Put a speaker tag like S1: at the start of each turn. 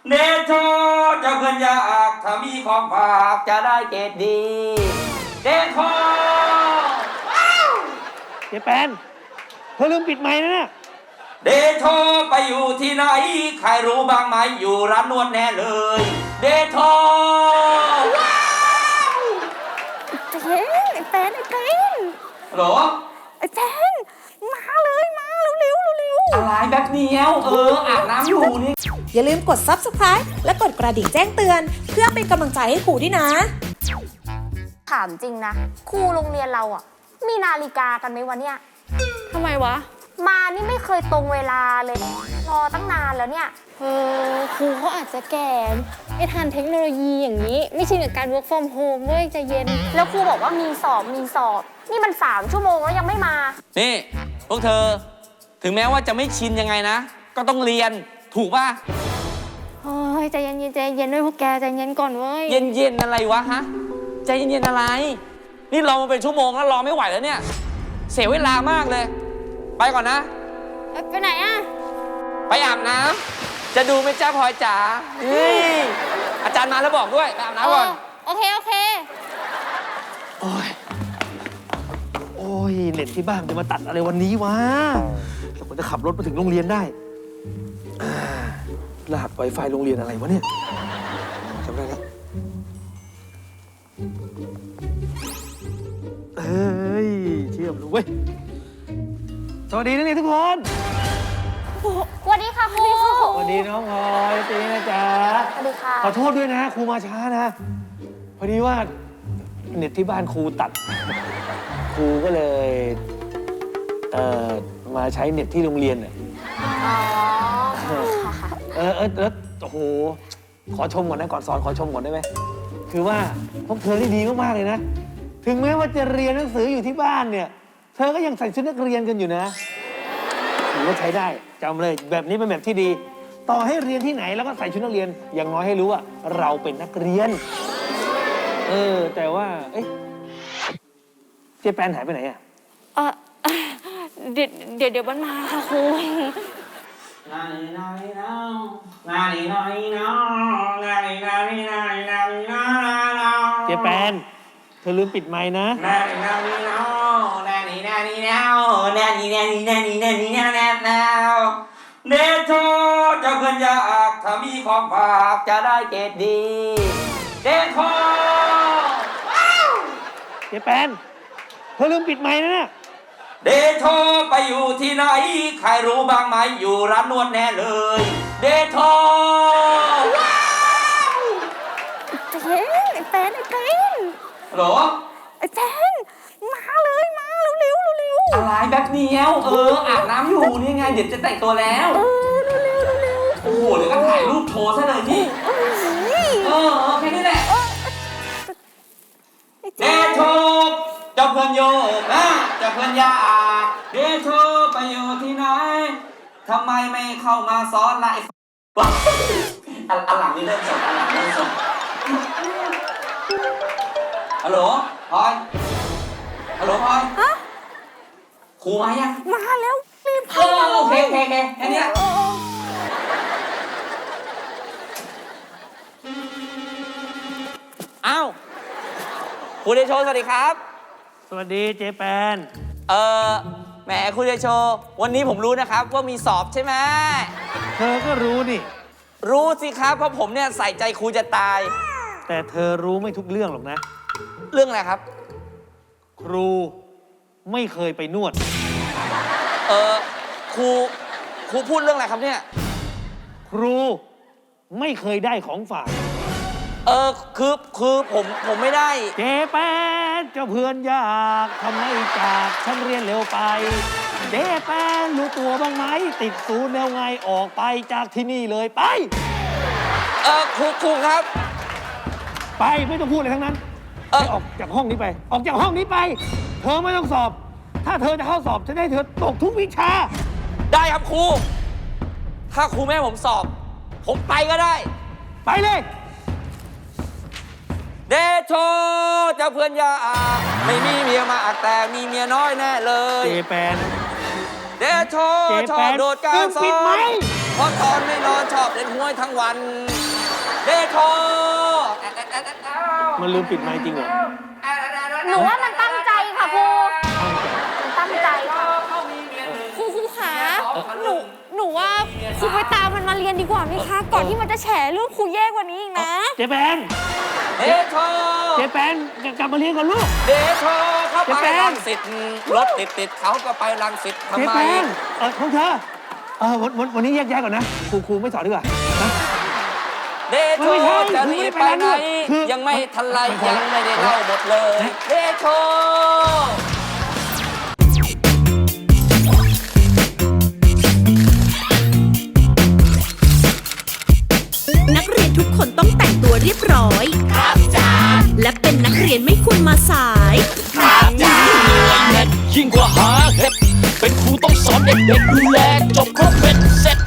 S1: เนโชเจ้าเพื่อนอยากถ้ามีของฝากจะได้เกรดดีเดโช
S2: เจแปนเธอลืมปิดไมค์นะเนี่ย
S1: เดโชไปอยู่ที่ไหนใครรู้บ้างไหมอยู่ร้านนวดแน่เลยเดโชว้าว
S3: ไอ้แปน
S1: หรอ
S3: ไอ้แปนมาเลยมาเร็ว
S1: อะไรแบบเดียวอาบน้ำอยู่นี่
S3: อย่าลืมกด Subscribe และกดกระดิ่งแจ้งเตือนเพื่อเป็นกำลังใจให้ครูด้วยนะ
S4: ถามจริงนะครูโรงเรียนเราอ่ะมีนาฬิกากันไหมวะเนี่ย
S3: ทำไมวะ
S4: มานี่ไม่เคยตรงเวลาเลยรอตั้งนานแล้วเนี่ย
S3: ครูเขาอาจจะแก่ไม่ทันเทคโนโลยีอย่างนี้ไม่ชินกับการ work from home เว้ยใจเย็น
S4: แล้วครูบอกว่ามีสอบนี่มัน3 ชั่วโมงแล้วยังไม่มา
S1: นี่พวกเธอถึงแม้ว่าจะไม่ชินยังไงนะก็ต้องเรียนถูกป่ะ
S3: เฮ้ยใจเย็นด้วยพวกแกใจเย็นก่อนเว้ย
S1: เย็นอะไรวะฮะใจเย็นอะไรนี่รอมาเป็นชั่วโมงแล้วรอไม่ไหวแล้วเนี่ยเสียเวลามากเลยไปก่อนนะ
S3: ไปไหนอะ
S1: ไปอาบน้ำจะดูไหมจ้าพลอยจ๋าอาจารย์มาแล้วบอกด้วยไปอาบน้ำก่อน
S3: โอเค
S2: โอ้ยเน็ตที่บ้านจะมาตัดอะไรวันนี้วะเราควรจะขับรถมาถึงโรงเรียนได้รหัส Wi-Fi โรงเรียนอะไรวะเนี่ยจำได้แล้วเฮ้ยเชื่อมเลยเว้ยสวัสดีนักเรียนทุกคน
S4: สวัสดีค่ะครู
S2: สวัสดีน้องพลอยตีนะจ๊ะ
S4: สวัสดีค่ะ
S2: ขอโทษด้วยนะครูมาช้านะพอดีว่าเน็ตที่บ้านครูตัดครูก็เลยมาใช้เน็ตที่โรงเรียนน่ะแล้วโอ้โหขอชมก่อนนะก่อนสอนขอชมก่อนได้ไหมคือว่าพวกเธอได้ดีมากๆเลยนะถึงแม้ว่าจะเรียนหนังสืออยู่ที่บ้านเนี่ยเธอก็ยังใส่ชุดนักเรียนกันอยู่นะถือว่าใช้ได้จำเลยแบบนี้เป็นแบบที่ดีต่อให้เรียนที่ไหนแล้วก็ใส่ชุดนักเรียนอย่างน้อยให้รู้ว่าเราเป็นนักเรียนแต่ว่าเจ๊แปนหายไปไหนอ่ะ
S3: เดี๋ยวมันมาค่ะครู
S2: เจ๊แปนเธอลืมปิดไมค์นะ
S1: เนโชเจ้าเพื่อนอยากถ้ามีของฝากจะได้เกรดดีเนโช
S2: เจ๊แปนเธอลืมปิดไมค์นะเนี่ย
S1: เดโชไปอยู่ที่ไหนใครรู้บ้างไหมอยู่ร้านนวดแน่เลยเดโชว้าว
S3: ไอ้แปน
S1: หรอ
S3: ไอ้แปนมาเลยมาเร็ว
S1: อะไรแบบเดียวอาบน้ำอยู่นี่ไงเดี๋ยวจะแต่งตัวแล้ว
S3: เร็ว
S1: โอ้โหเดี๋ยวก็ถ่ายรูปโชว์ซะเลยนี่แค่นี้แหละเดโชเจ้าเพื่อนโยกนะเจ้าเพื่อนยาเดโชไปอยู่ที่ไหนทำไมไม่เข้ามาซ้อนละอันหลังนี่เริ่มสดฮัลโหลพลอยฮัลโหลพลอยครูมายัง
S3: มาแล้วรีบเข้า
S1: โอเคแค่นี้อ้าวครูเดโชสวัสดีครับ
S2: สวัสดีเจแปน
S1: แหมครูเดโชวันนี้ผมรู้นะครับว่ามีสอบใช่ไหม
S2: เธอก็รู้นี่
S1: รู้สิครับเพราะผมเนี่ยใส่ใจครูจะตาย
S2: แต่เธอรู้ไม่ทุกเรื่องหรอกนะ
S1: เรื่องอะไรครับ
S2: ครูไม่เคยไปนวด
S1: ครูพูดเรื่องอะไรครับเนี่ย
S2: ครูไม่เคยได้ของฝาก
S1: คือผมไม่ได้
S2: เจแปนเจ้าเพื่อนอยากทำไมจากฉันเรียนเร็วไปเจแปนรู้ตัวบ้างไหมติดศูนย์แล้วไงออกไปจากที่นี่เลยไป
S1: ครูครับ
S2: ไปไม่ต้องพูดอะไรทั้งนั้นออกจากห้องนี้ไปออกจากห้องนี้ไปเธอไม่ต้องสอบถ้าเธอจะเข้าสอบจะได้เธอตกทุกวิชา
S1: ได้ครับครูถ้าครูแม่ผมสอบผมไปก็ได้
S2: ไปเลย
S1: เดโชเจ้าเพื่อนยาไม่มีเมียมาแต่มีเมียน้อยแน่เลย
S2: เจแปน
S1: เดโชชอบโดดการสอนพอตอนไม่นอนชอบเล่นหวยทั้งวัน เดโช
S2: มันลืมปิดไมค์จริงเหรอ
S4: หนูว่ามันตั้งใจค่ะครูมันตั้งใจค่ะ
S3: ครูขาหนูว่าครูไปตามมันมาเรียนดีกว่าไหมคะ ก่อนที่มันจะแฉเรื่องครูแย่กว่านี้อีกนะ
S2: เจแปน
S1: เดโช
S2: เจแปนกลับมาเรียนก่อนลูก
S1: เดโชเข้า
S2: เจ๊
S1: ไป
S2: แป้ง
S1: รังสิตรถติดเขาก็ไปรังสิตทำ
S2: เจ
S1: ไม
S2: แปนพวกเธอวันนี้แยกย้ายก่อนนะครูไม่สอนดีกว่านะ
S1: เดโช
S2: ไม่ใช่
S1: จะรีบไปไหน
S2: คือ
S1: ยังไม่ทันไรยังไม่ได้เล่าหมดเลย เดโช
S5: นักเรียนทุกคนต้องแต่งตัวเรียบร้อย ครับจ้าและเป็นนักเรียนไม่ควรมาสาย
S6: ยิ่งกว่าหาเห็ดเป็นครูต้องสอนเด็กๆดูแลจบครบเป็นเสร็จ